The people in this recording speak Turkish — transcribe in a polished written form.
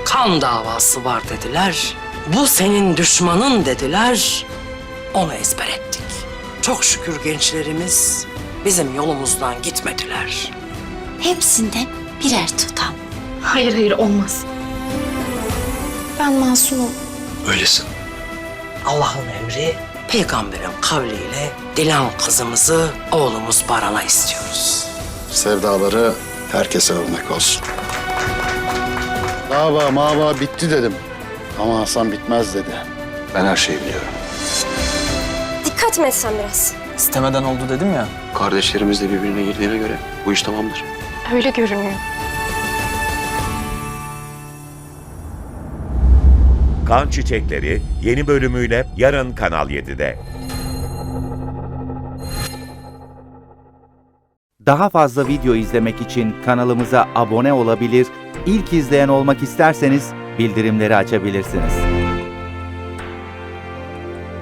kan davası var dediler. Bu senin düşmanın dediler. Onu ezber ettik. Çok şükür gençlerimiz bizim yolumuzdan gitmediler. Hepsinden birer tutam. Hayır olmaz. Ben masumum. Öylesin. Allah'ın emri, peygamberin kavliyle Dilan kızımızı oğlumuz Baran'a istiyoruz. Sevdaları herkese örnek olsun. Dava mava bitti dedim. Ama Hasan bitmez dedi. Ben her şeyi biliyorum. Dikkat mi etsen biraz? İstemeden oldu dedim ya. Kardeşlerimiz de birbirine girdiğine göre bu iş tamamdır. Öyle görünüyor. Kan Çiçekleri yeni bölümüyle yarın Kanal 7'de. Daha fazla video izlemek için kanalımıza abone olabilir, ilk izleyen olmak isterseniz bildirimleri açabilirsiniz.